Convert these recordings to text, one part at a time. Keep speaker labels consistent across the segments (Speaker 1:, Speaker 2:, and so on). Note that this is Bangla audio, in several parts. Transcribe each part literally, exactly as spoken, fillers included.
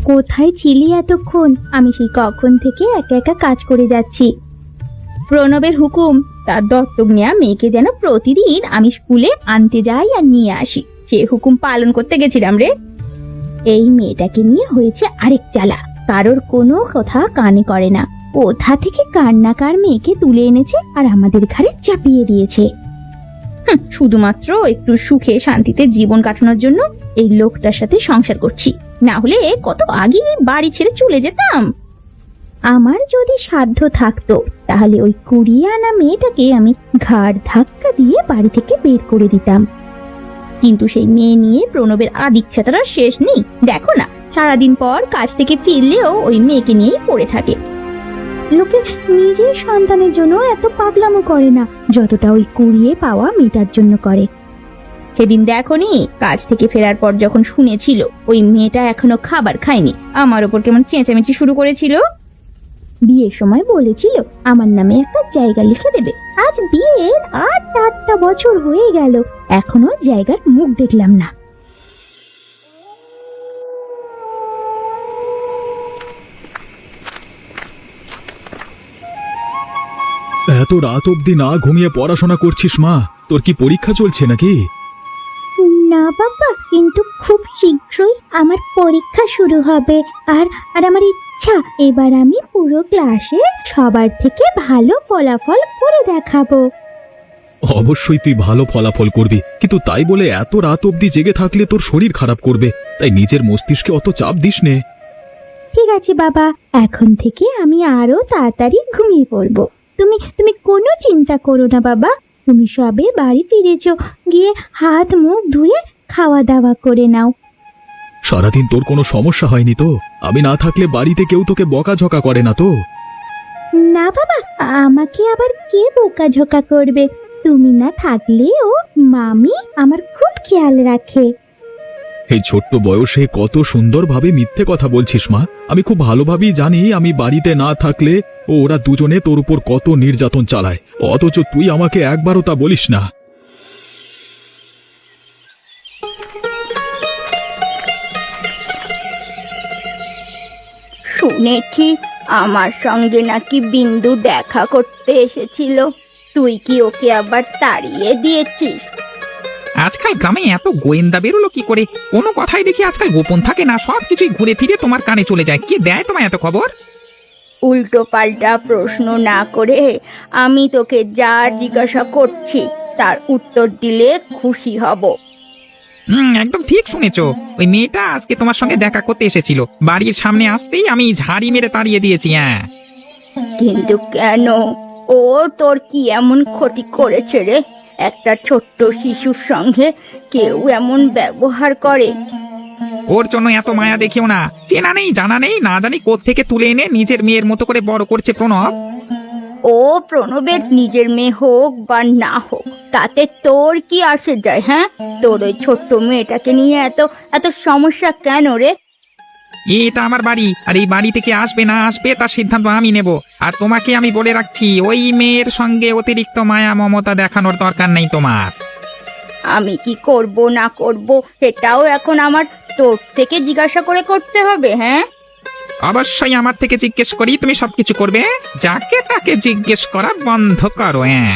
Speaker 1: কোথায় ছিলি এতক্ষণ? আমি সেই কখন থেকে একা একা কাজ করে যাচ্ছি। প্রণবের হুকুম, তার দত্তক নেওয়া মেয়েকে যেন প্রতিদিন আমি স্কুলে আনতে যাই আর নিয়ে আসি, সে হুকুম পালন করতে গেছিলাম রে। এই মেয়েটাকে নিয়ে হয়েছে আরেক জ্বালা, কারোর কোনো কথা কানে করে না। কোথা থেকে কার না কার মেয়েকে তুলে এনেছে আর আমাদের ঘাড়ে চাপিয়ে দিয়েছে। হুঁ, শুধুমাত্র একটু সুখে শান্তিতে জীবন কাটানোর জন্য এই লোকটার সাথে সংসার করছি, না হলে কত আগে বাড়ি ছেড়ে চলে যেতাম। আমার যদি সাধ্য থাকতো তাহলে ওই কুড়িয়ে আনা মেয়েটাকে আমি ঘাড় ধাক্কা দিয়ে বাড়ি থেকে বের করে দিতাম, কিন্তু সেই মেয়ে নিয়ে প্রণবের আদিক্ষেতার শেষ নেই। দেখো না, সারাদিন পর কাজ থেকে ফিরলেও ওই মেয়েকে নিয়েই পড়ে থাকে। লোকে নিজের সন্তানের জন্য এত পাগলামো করে না যতটা ওই কুড়িয়ে পাওয়া মেয়েটার জন্য করে। সেদিন দেখোনি, কাজ থেকে ফেরার পর যখন শুনেছিল ওই মেয়েটা এখনো খাবার খায়নি, আমার ওপর কেমন চেঁচামেচি শুরু করেছিল। বিয়ের সময় বলেছিল আমার নামে একটা জায়গা লিখে দেবে। আজ বিয়ের আট আটটা বছর হয়ে গেল, এখনো জায়গার মুখ দেখলাম না।
Speaker 2: এত রাত অবধি না ঘুমিয়ে পড়াশোনা করছিস মা? তোর কি পরীক্ষা চলছে নাকি?
Speaker 1: না বাবা, কিন্তু খুব শীঘ্রই আমার পরীক্ষা শুরু হবে, আর আর আমার ইচ্ছা এবার আমি পুরো ক্লাসে সবার থেকে ভালো ফলাফল করে দেখাবো।
Speaker 2: অবশ্যই তুই ভালো ফলাফল করবি, কিন্তু তাই বলে এত রাত অবধি জেগে থাকলে তোর শরীর খারাপ করবে, তাই নিজের মস্তিষ্কে অত চাপ দিস নে।
Speaker 1: ঠিক আছে বাবা, এখন থেকে আমি আরো তাড়াতাড়ি ঘুমিয়ে পড়বো। তুমি তুমি কোনো চিন্তা করো না বাবা, তুমি সবে বাড়ি ফিরেছো, গিয়ে হাত মুখ ধুয়ে খাওয়া দাওয়া করে নাও।
Speaker 2: সারাদিন তোর কোনো সমস্যা হয়নি তো? আমি না থাকলে বাড়িতে কেউ তোকে বকাঝকা করে না তো?
Speaker 1: না বাবা, আমাকে আবার কে বোকাঝোকা করবে? তুমি না থাকলেও মামি আমার খুব খেয়াল রাখে।
Speaker 2: এই ছোট্ট বয়সে কত সুন্দরভাবে মিথ্যে কথা বলছিস মা। আমি খুব ভালোভাবেই জানি আমি বাড়িতে না থাকলে ও ওরা দুজনে তোর উপর কত নির্যাতন চালায়, অথচ তুই আমাকে একবারও তা বলিস না।
Speaker 3: শুনেছি আমার সঙ্গে নাকি বিন্দু দেখা করতে এসেছিল, তুই কি ওকে আবার তাড়িয়ে দিয়েছিস?
Speaker 4: আজকাল গ্রামে এত গোয়েন্দা বেরোলো কি করে? কোনো কথাই দেখি আজকাল গোপন থাকে না, সব কিছুই ঘুরে ফিরে তোমার কানে চলে যায়। কে দেয় তোমায় এত খবর?
Speaker 3: উল্টো পাল্টা প্রশ্ন না করে আমি তোকে যা জিজ্ঞাসা করছি তার উত্তর দিলে খুশি হব।
Speaker 4: হুম, একদম ঠিক শুনেছো। ওই মেয়েটা আজকে তোমার সঙ্গে দেখা করতে এসেছিল, বাড়ির সামনে আসতেই আমি ঝাড়ি মেরে তাড়িয়ে দিয়েছি। হ্যাঁ,
Speaker 3: কিন্তু কেন? ও তোর কি এমন ক্ষতি করেছে রে? একটা ছোট্ট শিশুর সঙ্গে কেউ এমন ব্যবহার করে?
Speaker 4: ওর জন্য এত মায়া দেখিও না। চেনা নেই জানা নেই, না জানি কোত্থেকে তুলে এনে নিজের মেয়ের মতো করে বড় করছে প্রণব।
Speaker 3: ও প্রণবের নিজের মেয়ে হোক বা না হোক, তাতে তোর কি আসে যায়? হ্যাঁ, তোর ওই ছোট্ট মেয়েটাকে নিয়ে এত এত সমস্যা কেন রে?
Speaker 4: এটা আমার বাড়ি, আর এই বাড়ি থেকে আসবে না আসবে তার সিদ্ধান্ত আমি নেব। আর তোমাকে আমি বলে রাখছি, ওই মেয়ের সঙ্গে অতিরিক্ত মায়া মমতা দেখানোর দরকার নেই তোমার।
Speaker 3: আমি কি করব না করব সেটাও এখন আমার তোর থেকে জিজ্ঞাসা করে করতে হবে? হ্যাঁ,
Speaker 4: অবশ্যই আমার থেকে জিজ্ঞেস করি তুমি সবকিছু করবে? যাকে তাকে জিজ্ঞেস করা বন্ধ করো। হ্যাঁ,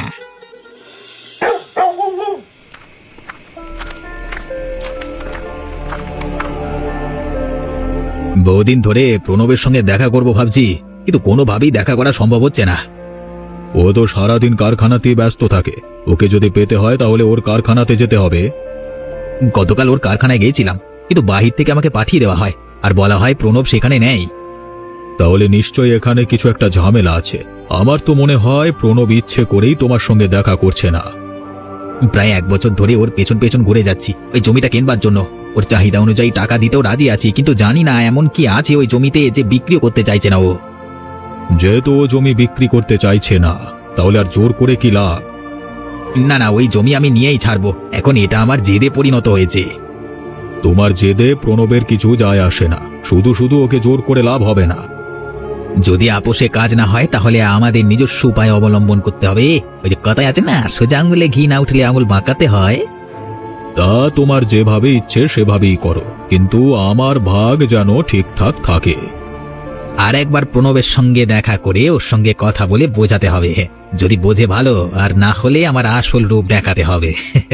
Speaker 5: বহুদিন ধরে প্রণবের সঙ্গে দেখা করব ভাবছি, কিন্তু কোনোভাবেই দেখা করা সম্ভব হচ্ছে না।
Speaker 2: ও তো সারাদিন কারখানাতেই ব্যস্ত থাকে, ওকে যদি পেতে হয় তাহলে ওর কারখানাতে যেতে হবে।
Speaker 5: গতকাল ওর কারখানায় গিয়েছিলাম, কিন্তু বাহির থেকে আমাকে পাঠিয়ে দেওয়া হয় আর বলা হয় প্রণব সেখানে নেই।
Speaker 2: তাহলে নিশ্চয়ই এখানে কিছু একটা ঝামেলা আছে। আমার তো মনে হয় প্রণব ইচ্ছে করেই তোমার সঙ্গে দেখা করছে না।
Speaker 5: প্রায় এক বছর ধরে ওর পেছন পেছন ঘুরে যাচ্ছি ওই জমিটা কেনবার জন্য। ওর চাহিদা অনুযায়ী টাকা দিতেও রাজি আছি, কিন্তু জানি না এমন কি আছে ওই জমিতে যে বিক্রিও করতে চাইছে না ও।
Speaker 2: যেহেতু ও জমি বিক্রি করতে চাইছে না, তাহলে আর জোর করে কি লাভ?
Speaker 5: না না, ওই জমি আমি নিয়েই ছাড়বো। এখন এটা আমার জেদে পরিণত হয়েছে।
Speaker 2: তোমার জেদে প্রণবের কিছু যায় আসে না, শুধু শুধু ওকে জোর করে লাভ হবে না।
Speaker 5: যদি আপোষে কাজ না হয় তাহলে আমাদের নিজস্ব উপায় অবলম্বন করতে হবে। ওই যে কথায় আছে না, সোজা আঙুলে ঘি না উঠলে আঙুল বাঁকাতে হয়।
Speaker 2: তা তোমার যেভাবে ইচ্ছে সেভাবেই করো, কিন্তু আমার ভাগ যেন ঠিকঠাক থাকে।
Speaker 5: আর একবার প্রণবের সঙ্গে দেখা করে ওর সঙ্গে কথা বলে বোঝাতে হবে, যদি বোঝে ভালো, আর না হলে আমার আসল রূপ দেখাতে হবে।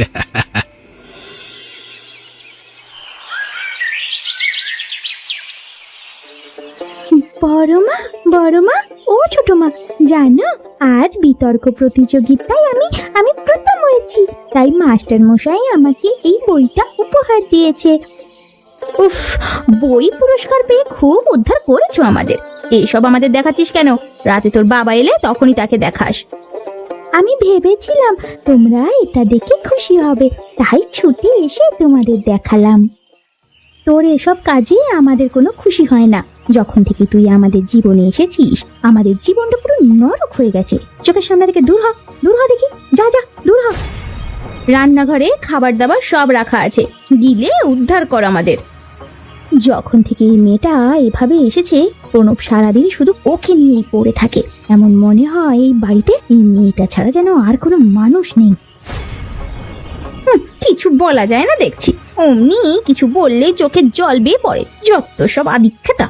Speaker 1: বড় মা, বড় মা, ও ছোট মা, জানো আজ বিতর্ক প্রতিযোগিতায় আমি আমি প্রথম হয়েছি, তাই মাস্টার মশাই আমাকে এই বইটা উপহার দিয়েছে।
Speaker 3: উফ, বই পুরস্কার পেয়ে খুব উদ্ধার করেছো আমাদের। এসব আমাদের দেখাচ্ছিস কেন? রাতে তোর বাবা এলে তখনই তাকে দেখাস।
Speaker 1: আমি ভেবেছিলাম তোমরা এটা দেখে খুশি হবে, তাই ছুটে এসে তোমাদের দেখালাম। তোর এসব কাজে আমাদের কোনো খুশি হয় না। যখন থেকে তুই আমাদের জীবনে এসেছিস, আমাদের জীবনটা পুরো নরক হয়ে গেছে। চোখের সামনে থেকে দূর হ, দূর হ দেখি, যা যা দূর হ।
Speaker 3: রান্নাঘরে খাবার দাবার সব রাখা আছে, গিলে উদ্ধার কর আমাদের।
Speaker 1: যখন থেকে এই মেয়েটা এভাবে এসেছে, প্রণব সারাদিন শুধু ওকে নিয়েই পড়ে থাকে। এমন মনে হয় এই বাড়িতে এই মেয়েটা ছাড়া যেন আর কোনো মানুষ নেই।
Speaker 3: হুঁ, কিছু বলা যায় না দেখছি, অমনি কিছু বললেই চোখে জল বেয়ে পড়ে। যত সব আদিক্ষেতা।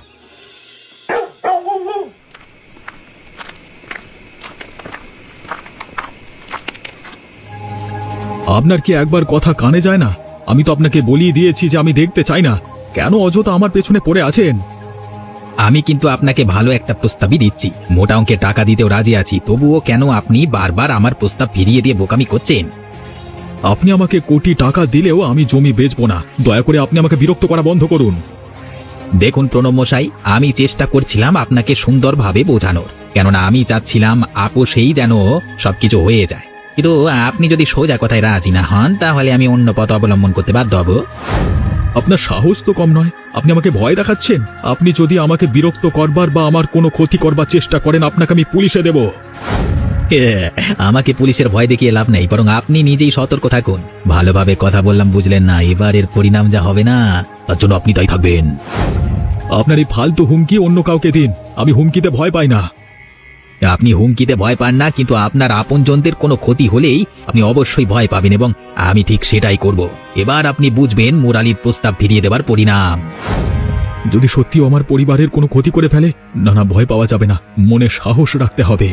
Speaker 2: আপনার কি একবার কথা কানে যায় না? আমি তো আপনাকে বলিয়ে দিয়েছি যে আমি দেখতে চাই না। কেন অযথা আমার পেছনে পড়ে আছেন?
Speaker 5: আমি কিন্তু আপনাকে ভালো একটা প্রস্তাবই দিচ্ছি, মোটা অঙ্কের টাকা দিতেও রাজি আছি, তবুও কেন আপনি বারবার আমার প্রস্তাব ফিরিয়ে দিয়ে বোকামি করছেন?
Speaker 2: আপনি আমাকে কোটি টাকা দিলেও আমি জমি বেচবো না। দয়া করে আপনি আমাকে বিরক্ত করা বন্ধ করুন।
Speaker 5: দেখুন প্রণব মশাই, আমি চেষ্টা করছিলাম আপনাকে সুন্দরভাবে বোঝানোর, কেননা আমি চাচ্ছিলাম আপোষেই যেন সবকিছু হয়ে যায়। কিন্তু আপনি যদি সোজা কথায় রাজি না হন, তাহলে আমি অন্য পথ অবলম্বন করতে বাধ্য হব।
Speaker 2: আপনার সাহস তো কম নয়, আপনি আমাকে ভয় দেখাচ্ছেন। আপনি যদি আমাকে বিরক্ত করবার বা আমার কোনো ক্ষতি করবার চেষ্টা করেন, আপনাকে আমি পুলিশে দেব।
Speaker 5: আমাকে পুলিশের ভয় দেখিয়ে লাভ নেই, বরং আপনি নিজেই সতর্ক থাকুন। ভালোভাবে কথা বললাম, বুঝলেন না? এবার এর পরিণাম যা হবে না, তার জন্য আপনি দায়ী থাকবেন।
Speaker 2: আপনার এই ফালতু হুমকি অন্য কাউকে দিন, আমি হুমকিতে ভয় পাই না।
Speaker 5: আপনি হুমকিতে ভয় পান না, কিন্তু আপনার আপনজনদের কোনো ক্ষতি হলেই আপনি অবশ্যই ভয় পাবেন, এবং আমি ঠিক সেটাই করব। এবার আপনি বুঝবেন মুরালির প্রস্তাব ফিরিয়ে দেবার পরিণাম।
Speaker 2: যদি সত্যিও আমার পরিবারের কোনো ক্ষতি করে ফেলে, না না, ভয় পাওয়া যাবে না, মনে সাহস রাখতে হবে।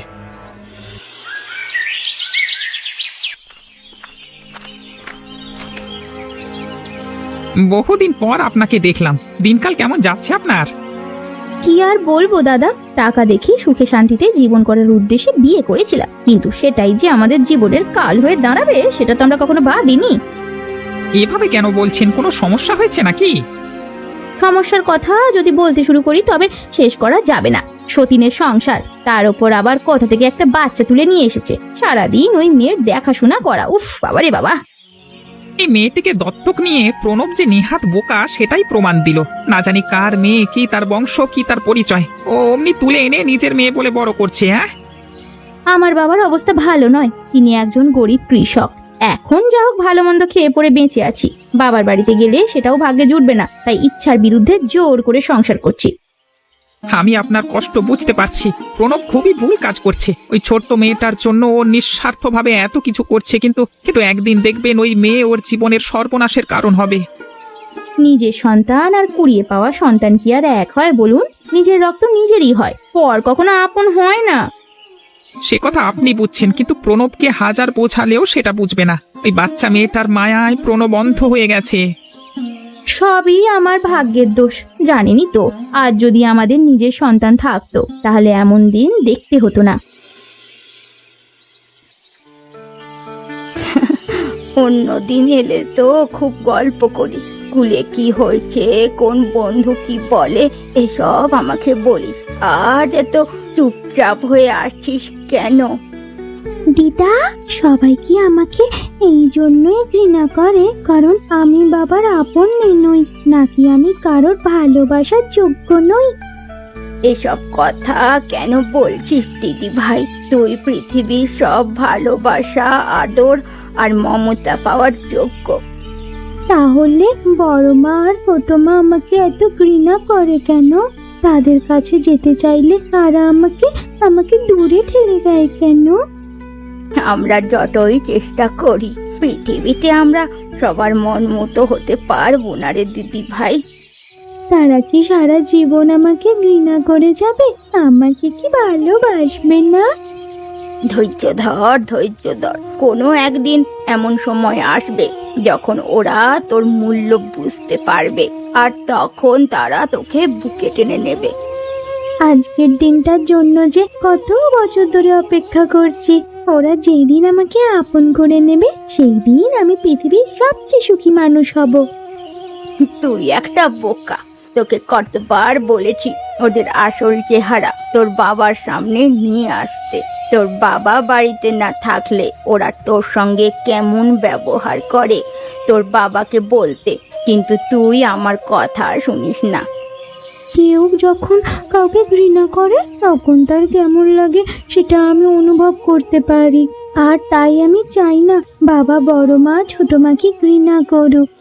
Speaker 4: বহুদিন পর আপনাকে দেখলাম, দিনকাল কেমন যাচ্ছে আপনার?
Speaker 3: কি আর বলবো দাদা, টাকা দেখি সুখে শান্তিতে জীবন করার উদ্দেশ্যে বিয়ে করেছিলাম, কিন্তু সেটাই যে আমাদের জীবনের কাল হয়ে দাঁড়াবে সেটা তো আমরা কখনো ভাবিনি।
Speaker 4: এভাবে কেন বলছেন? কোনো সমস্যা হয়েছে নাকি?
Speaker 3: সমস্যার কথা যদি বলতে শুরু করি তবে শেষ করা যাবে না। সতীনের সংসার, তার উপর আবার কোথা থেকে একটা বাচ্চা তুলে নিয়ে এসেছে, সারাদিন ওই মেয়ের দেখাশোনা করা। উফ বাবা রে বাবা।
Speaker 4: এই মেয়েটিকে দত্তক নিয়ে প্রণব যে নেহাত বোকা সেটাই প্রমাণ দিল। না জানি কার মেয়ে, কি তার বংশ, কি তার পরিচয়, ও অমনি তুলে এনে নিজের মেয়ে বলে বড় করছে। হ্যাঁ,
Speaker 3: আমার বাবার অবস্থা ভালো নয়, তিনি একজন গরিব কৃষক। এখন যা হোক ভালো মন্দ খেয়ে পড়ে বেঁচে আছি। বাবার বাড়িতে গেলে সেটাও ভাগ্যে জুটবে না, তাই ইচ্ছার বিরুদ্ধে জোর করে সংসার করছি।
Speaker 4: আমি আপনার কষ্ট বুঝতে পারছি। প্রণব খুবই ভুল কাজ করছে। ওই ছোট্ট মেয়েটার জন্য ও নিঃস্বার্থভাবে এত কিছু করছে, কিন্তু কিন্তু একদিন দেখবেন ওই মেয়ে ওর জীবনের সর্বনাশের কারণ হবে।
Speaker 3: নিজের সন্তান আর কুড়িয়ে পাওয়া সন্তান কি আর এক হয় বলুন? নিজের রক্ত নিজেরই হয়, পর কখনো আপন হয় না।
Speaker 4: সে কথা আপনি বুঝছেন, কিন্তু প্রণবকে হাজার বোঝালেও সেটা বুঝবে না। ওই বাচ্চা মেয়েটার মায়ায় প্রণব অন্ধ হয়ে গেছে।
Speaker 3: সবই আমার ভাগ্যের দোষ, জানেনই তো। আর যদি আমাদের নিজের সন্তান থাকতো তাহলে এমন দিন দেখতে হতো না। অন্য দিন এলে তো খুব গল্প করিস, স্কুলে কি হয়েছে, কোন বন্ধু কি বলে, এসব আমাকে বলিস। আজ এত চুপচাপ হয়ে আসছিস কেন?
Speaker 1: দিদা, সবাই কি আমাকে এই জন্যই ঘৃণা করে কারণ আমি বাবার আপন মেয়ে নই, নাকি আমি কারোর ভালোবাসার যোগ্য নই?
Speaker 3: এসব কথা কেন বলছিস দিদি ভাই? তুই পৃথিবীর সব ভালোবাসা, আদর আর মমতা পাওয়ার যোগ্য।
Speaker 1: তাহলে বড় মা আর ছোট মা আমাকে এত ঘৃণা করে কেন? তাদের কাছে যেতে চাইলে তারা আমাকে আমাকে দূরে ঠেলে দেয় কেন?
Speaker 3: আমরা যতই চেষ্টা করি পৃথিবীতে আমরা সবার মন মতো হতে পারবো না রে দিদি ভাই।
Speaker 1: তারা কি সারা জীবন আমাকে ঘৃণা করে যাবে? আমাকে কি ভালোবাসবে না?
Speaker 3: ধৈর্য ধর, ধৈর্য ধর। কোনো একদিন এমন সময় আসবে যখন ওরা তোর মূল্য বুঝতে পারবে, আর তখন তারা তোকে বুকে টেনে নেবে।
Speaker 1: আজকের দিনটার জন্য যে কত বছর ধরে অপেক্ষা করছি। ওরা যেদিন আমাকে আপন করে নেবে সেই দিন আমি পৃথিবীর সবচেয়ে সুখী মানুষ হব।
Speaker 3: তুই একটা বোকা। তোকে কতবার বলেছি ওদের আসল চেহারা তোর বাবার সামনে নিয়ে আসতে। তোর বাবা বাড়িতে না থাকলে ওরা তোর সঙ্গে কেমন ব্যবহার করে তোর বাবাকে বলতে, কিন্তু তুই আমার কথা শুনিস না।
Speaker 1: কেউ যখন কাউকে ঘৃণা করে তখন তার কেমন লাগে সেটা আমি অনুভব করতে পারি, আর তাই আমি চাই না বাবা বড় মা ছোট মাকে ঘৃণা করুক।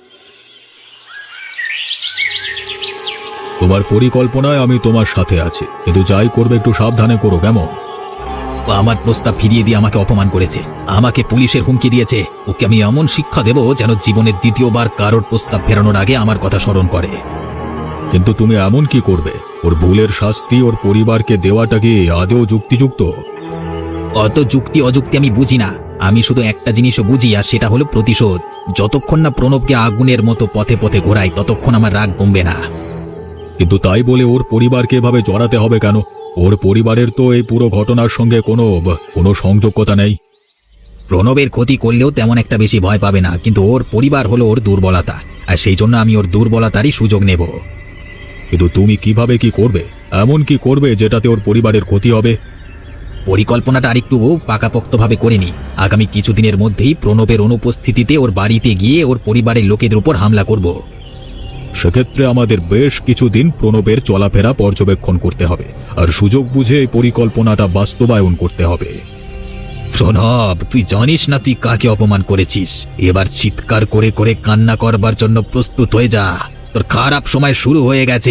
Speaker 2: তোমার পরিকল্পনায় আমি তোমার সাথে আছি, কিন্তু যাই করবে একটু সাবধানে করো, কেমন?
Speaker 5: ও আমার প্রস্তাব ফিরিয়ে দিয়ে আমাকে অপমান করেছে, আমাকে পুলিশের হুমকি দিয়েছে। ওকে আমি এমন শিক্ষা দেব যেন জীবনের দ্বিতীয়বার কারোর প্রস্তাব ফেরানোর আগে আমার কথা স্মরণ করে।
Speaker 2: কিন্তু তুমি এমন কি করবে? ওর ভুলের শাস্তি ওর পরিবারকে দেওয়াটা কি আদৌ যুক্তিযুক্ত?
Speaker 5: অত যুক্তি অযুক্তি আমি বুঝি না, আমি শুধু একটা জিনিসও বুঝি, আর সেটা হলো প্রতিশোধ। যতক্ষণ না প্রণবকে আগুনের মতো পথে পথে ঘোরাই ততক্ষণ আমার রাগ কমবে না।
Speaker 2: কিন্তু তাই বলে ওর পরিবারকে এভাবে জড়াতে হবে কেন? ওর পরিবারের তো এই পুরো ঘটনার সঙ্গে কোনো কোনো সংযোগতা নেই।
Speaker 5: প্রণবের ক্ষতি করলেও তেমন একটা বেশি ভয় পাবে না, কিন্তু ওর পরিবার হলো ওর দুর্বলতা, আর সেই জন্য আমি ওর দুর্বলতারই সুযোগ নেব।
Speaker 2: কিন্তু তুমি কিভাবে কি করবে? এমন কি করবে যেটাতে ওর পরিবারের ক্ষতি হবে?
Speaker 5: পরিকল্পনাটা আরেকটু পাকাপোক্তভাবে করে নি। আগামী কিছুদিনের মধ্যেই প্রণবের অনুপস্থিতিতে ওর বাড়িতে গিয়ে ওর পরিবারের লোকেদের উপর হামলা করব।
Speaker 2: সেক্ষেত্রে আমাদের বেশ কিছুদিন প্রণবের চলাফেরা পর্যবেক্ষণ করতে হবে, আর সুযোগ বুঝে এই পরিকল্পনাটা বাস্তবায়ন করতে হবে।
Speaker 5: প্রণব, তুই জানিস না তুই কাকে অপমান করেছিস। এবার চিৎকার করে করে কান্না করবার জন্য প্রস্তুত হয়ে যা, তোর খারাপ সময় শুরু হয়ে গেছে।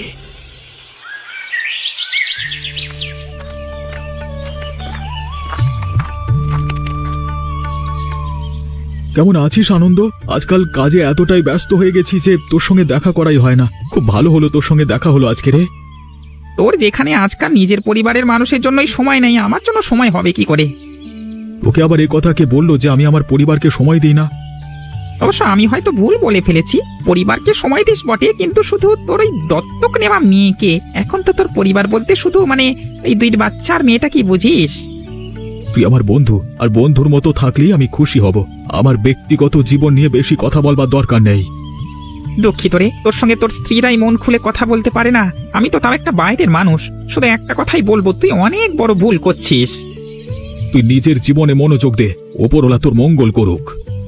Speaker 2: কেমন আছিস আনন্দ? আজকাল কাজে এতটাই ব্যস্ত হয়ে গেছি যে তোর সঙ্গে দেখা করাই হয় না। খুব ভালো হলো তোর সঙ্গে দেখা হলো আজকে রে।
Speaker 4: তোর যেখানে আজকাল নিজের পরিবারের মানুষের জন্যই সময় নেই, আমার জন্য সময় হবে কি করে?
Speaker 2: তোকে আবার এই কথা কে বললো যে আমি আমার পরিবারকে সময় দিই না?
Speaker 4: অবশ্য আমি হয়তো ভুল বলে ফেলেছি। পরিবারকে সময় দিস বটে, কিন্তু শুধু তোর ওই দত্তক নেওয়া মেয়েকে। এখন তো তোর পরিবার বলতে শুধু মানে এই দুই বাচ্চার মেয়েটা কি বুঝিস?
Speaker 2: তুই আমার বন্ধু, আর বন্ধুর মতো থাকলেই আমি খুশি হব। আমার ব্যক্তিগত জীবন নিয়ে বেশি কথা বলবার দরকার নেই।
Speaker 4: দুঃখিত রে, তোর সঙ্গে তোর স্ত্রীরাই মন খুলে কথা বলতে পারে না। আমি তো তাও একটা বাইরের মানুষ, শুধু একটা কথাই বলবো, তুই অনেক বড় ভুল করছিস।
Speaker 2: তুই নিজের জীবনে মনোযোগ দে, ওপরওয়ালা তোর মঙ্গল করুক।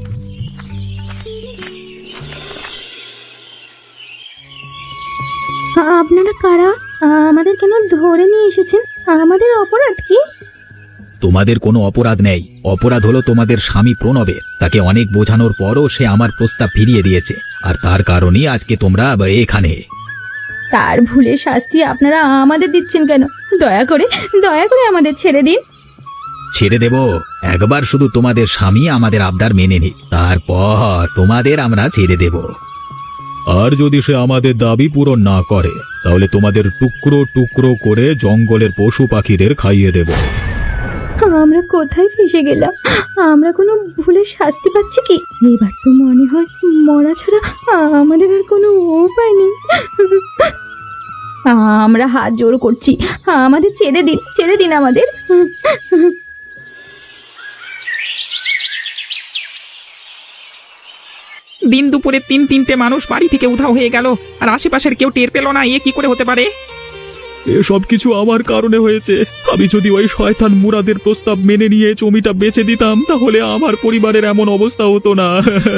Speaker 1: আপনারা কারা? আমাদের কেন ধরে নিয়ে এসেছেন? আমাদের অপরাধ কি?
Speaker 5: তোমাদের কোনো অপরাধ নেই। অপরাধ হলো তোমাদের স্বামী প্রণবের। তাকে অনেক বোঝানোর পরও সে আমার প্রস্তাব ফিরিয়ে দিয়েছে, আর তার কারণেই আজকে তোমরা এখানে।
Speaker 1: তার ভুলের শাস্তি আপনারা আমাদের দিচ্ছেন কেন? দয়া করে দয়া করে আমাদের ছেড়ে দিন।
Speaker 5: ছেড়ে দেব? একবার শুধু তোমাদের স্বামী আমাদের আবদার মেনে নি, তারপর তোমাদের আমরা ছেড়ে দেব।
Speaker 2: আর যদি সে আমাদের দাবি পূরণ না করে তাহলে তোমাদের টুকরো টুকরো করে জঙ্গলের পশু পাখিদের খাইয়ে দেব।
Speaker 1: আমরা কোথায় ফেসে গেলাম? আমরা কোনো ভুলের শাস্তি পাচ্ছি কি? এবার তো মনে হয় মরা ছাড়া আমাদের আর কোনো উপায় নেই। আমরা হাত জোর করছি, আমাদের ছেড়ে দিন, ছেড়ে দিন আমাদের।
Speaker 4: দিন দুপুরে তিন তিনটে মানুষ বাড়ি থেকে উধাও হয়ে গেল, আর আশেপাশের কেউ টের পেল না। এ কি করে হতে পারে?
Speaker 2: এসব কিছু আমার কারণে হয়েছে। আমি যদি ওই শয়তান মুরাদের প্রস্তাব মেনে নিয়ে জমিটা বেচে দিতাম তাহলে আমার পরিবারের এমন অবস্থা হতো না।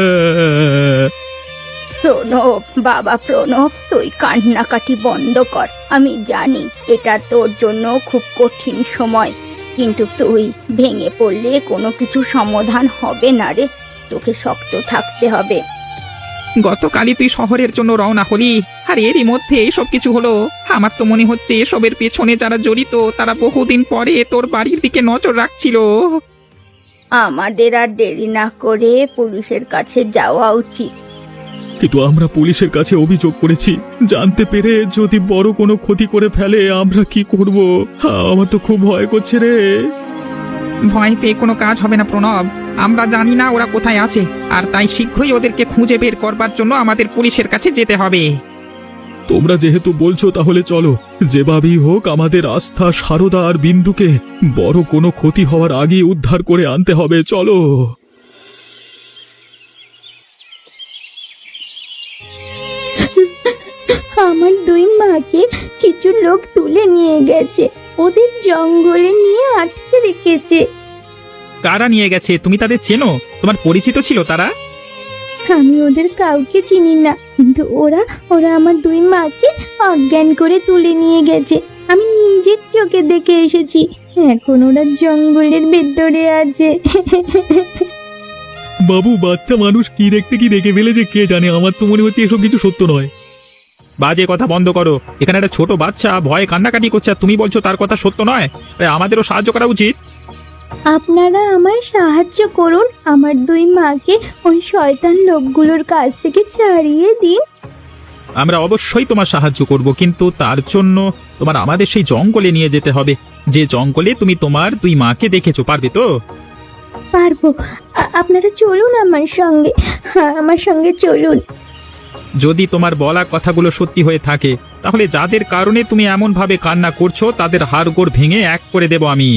Speaker 3: প্রণব, বাবা প্রণব, তুই কান্নাকাটি বন্ধ কর। আমি জানি এটা তোর জন্য খুব কঠিন সময়, কিন্তু তুই ভেঙে পড়লে কোনো কিছু সমাধান হবে না রে। তোকে শক্ত থাকতে হবে।
Speaker 4: গতকালই তুই শহরের জন্য রওনা হলি, আর এরই মধ্যে এসব কিছু হলো। আমার তো মনে হচ্ছে এসবের পেছনে যারা জড়িত তারা বহুদিন পরে তোর বাড়ির দিকে নজর রাখছিল।
Speaker 3: আমাদের আর দেরি না করে পুলিশের কাছে যাওয়া উচিত।
Speaker 2: কিন্তু আমরা পুলিশের কাছে অভিযোগ করেছি, জানতে পেরে যদি বড় কোনো ক্ষতি করে ফেলে আমরা কি করব? আমার তো খুব ভয় করছে রে।
Speaker 4: ভয় পেয়ে কোনো কাজ হবে না প্রণব। আমরা জানি না ওরা কোথায় আছে, আর তাই শীঘ্রই ওদেরকে খুঁজে বের করবার জন্য আমাদের পুলিশের কাছে যেতে হবে।
Speaker 2: তোমরা যেহেতু বলছো তাহলে চলো, যেভাবেই হোক আমাদের আস্থা, সারদা আর বিন্দুকে বড় কোনো ক্ষতি হওয়ার আগে উদ্ধার করে আনতে হবে, চলো।
Speaker 1: আমার দুই মাকে কিছু লোক তুলে নিয়ে গেছে, ওদের জঙ্গলে নিয়ে আটকে রেখেছে।
Speaker 4: কারা নিয়ে গেছে? তুমি তাদের চেনো? তোমার পরিচিত ছিল তারা?
Speaker 1: আমি ওদের কাউকে চিনি না, কিন্তু ওরা ওরা আমার দুই মাকে অজ্ঞান করে তুলে নিয়ে গেছে। আমি নিজের চোখে দেখে এসেছি। এখন ওরা জঙ্গলের ভেতরে আছে।
Speaker 2: বাবু, বাচ্চা মানুষ কি দেখতে কি দেখে ফেলেছে কে জানে, আমার তো মনে হচ্ছে এসব কিছু সত্য নয়।
Speaker 4: বাজে কথা বন্ধ করো। এখানে একটা ছোট বাচ্চা ভয়ে কান্নাকাটি করছে, আর তুমি বলছো তার কথা সত্য নয়? আরে আমাদেরও সাহায্য করা উচিত।
Speaker 1: আপনারা আমায় সাহায্য করুন, আমার দুই মাকে ওই শয়তান লোকগুলোর কাছ থেকে ছাড়িয়ে দিন।
Speaker 4: আমরা অবশ্যই তোমার সাহায্য করব, কিন্তু তার জন্য তোমার আমাদের সেই জঙ্গলে নিয়ে যেতে হবে, যে জঙ্গলে তুমি তোমার দুই মাকে দেখেছো। পারবে তো?
Speaker 1: পারবো। আ- আপনারা চলুন আমার সঙ্গে, হ্যাঁ আমার সঙ্গে চলুন।
Speaker 4: যদি তোমার বলা কথাগুলো সত্যি হয়ে থাকে, তাহলে যাদের কারণে তুমি এমন ভাবে কান্না করছো তাদের হাড়গোড় ভেঙে এক করে দেব আমি।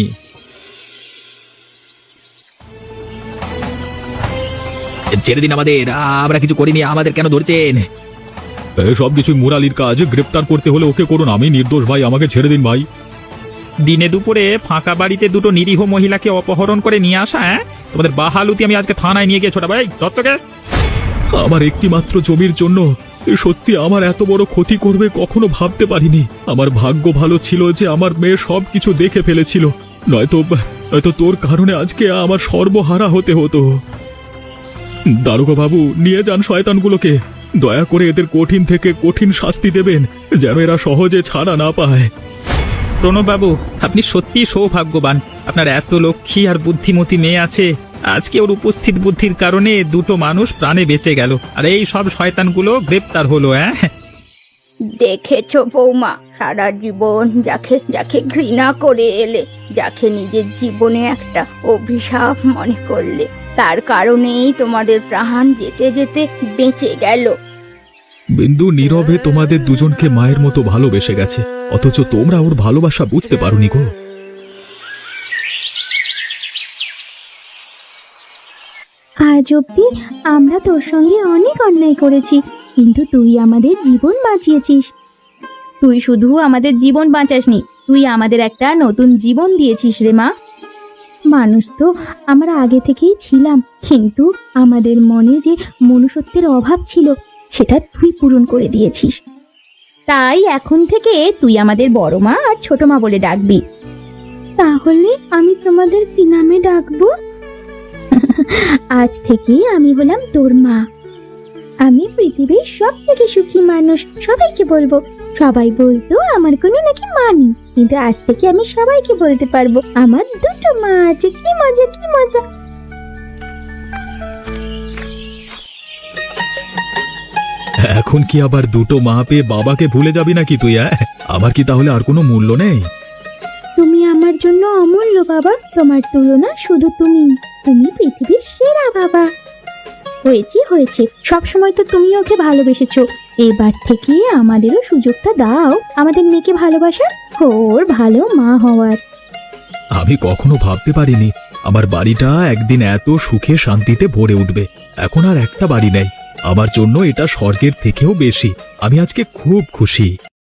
Speaker 5: ছেড়ে দিন আমাদের, আমরা কিছু করিনি, আমাদের কেন ধরছেন?
Speaker 2: সব কিছু মুরালির কাজ, গ্রেপ্তার করতে হলে ওকে করুন, আমি নির্দোষ ভাই, আমাকে ছেড়ে দিন ভাই।
Speaker 4: দিনে দুপুরে ফাঁকা বাড়িতে দুটো নিরীহ মহিলাকে অপহরণ করে নিয়ে আসা, হ্যাঁ? তোমাদের বাহালুতি আমি আজকে থানায় নিয়ে গিয়ে ছোটা ভাই দত্তকে।
Speaker 2: আমার একটি মাত্র জমির জন্য এ সত্যি আমার এত বড় ক্ষতি করবে কখনো ভাবতে পারিনি। আমার ভাগ্য ভালো ছিল যে আমার মেয়ে সব কিছু দেখে ফেলেছিল, নয়তো নয়তো তোর কারণে আজকে আমার সর্বহারা হতে হতো। দারোগা বাবু, নিয়ে যান শয়তানগুলোকে, দয়া করে এদের কঠিন থেকে কঠিন শাস্তি দেবেন, যেন এরা সহজে ছাড়া না পায়।
Speaker 4: প্রণববাবু, আপনি সত্যিই সৌভাগ্যবান। আপনার এত লক্ষ্মী আর বুদ্ধিমতী মেয়ে আছে। আজকে ওর উপস্থিত বুদ্ধির কারণে দুটো মানুষ প্রাণে বেঁচে গেল, আর এই সব শয়তানগুলো গ্রেপ্তার হলো। হ্যাঁ,
Speaker 3: দেখেছো বৌমা, সারা জীবন যাকে যাকে ঘৃণা করে এলে, যাকে নিজের জীবনে একটা অভিশাপ মনে করলে, তার কারণেই তোমাদের প্রাণ যেতে যেতে বেঁচে গেল।
Speaker 2: বিন্দু নীরবে তোমাদের দুজনকে মায়ের মতো ভালোবেসে গেছে, অথচ তোমরা ওর ভালোবাসা বুঝতে পারোনি গো।
Speaker 1: আজ অব্দি আমরা তোর সঙ্গে অনেক অন্যায় করেছি, কিন্তু তুই আমাদের জীবন বাঁচিয়েছিস। তুই শুধু আমাদের জীবন বাঁচাসনি, তুই আমাদের একটা নতুন জীবন দিয়েছিস রে মা। মানুষ তো আমরা আগে থেকেই ছিলাম, কিন্তু আমাদের মনে যে মনুষ্যত্বের অভাব ছিল সেটা তুই পূরণ করে দিয়েছিস। তাই এখন থেকে তুই আমাদের বড় মা আর ছোট মা বলে ডাকবি। তাহলে আমি তোমাদের কি নামে ডাকবো? আজ থেকে আমি হলাম তোর মা। আমি পৃথিবীর সব থেকে সুখী মানুষ, সবাইকে বলবো। সবাই বলতো আমার কোনো নাকি মা নেই, কিন্তু আজ থেকে আমি সবাইকে বলতে পারবো আমার দুটো মা আছে। কি মজা, কি মজা।
Speaker 2: এখন কি আবার দুটো মা পেয়ে বাবাকে ভুলে যাবি নাকি তুই? হ্যাঁ, আমার কি তাহলে আর কোনো মূল্য নেই?
Speaker 1: তুমি আমার জন্য অমূল্য বাবা, তোমার তুলনা শুধু তুমি। তুমি পৃথিবীর সেরা বাবা। হয়েছে হয়েছে, সবসময় তো তুমি ওকে ভালোবেসেছো, এবার থেকে আমাদেরও সুযোগটা দাও আমাদের মেয়েকে ভালোবাসার, ওর ভালো মা হওয়ার।
Speaker 2: আমি কখনো ভাবতে পারিনি আমার বাড়িটা একদিন এত সুখে শান্তিতে ভরে উঠবে। এখন আর একটা বাড়ি নেই, আমার জন্য এটা স্বর্গের থেকেও বেশি। আমি আজকে খুব খুশি।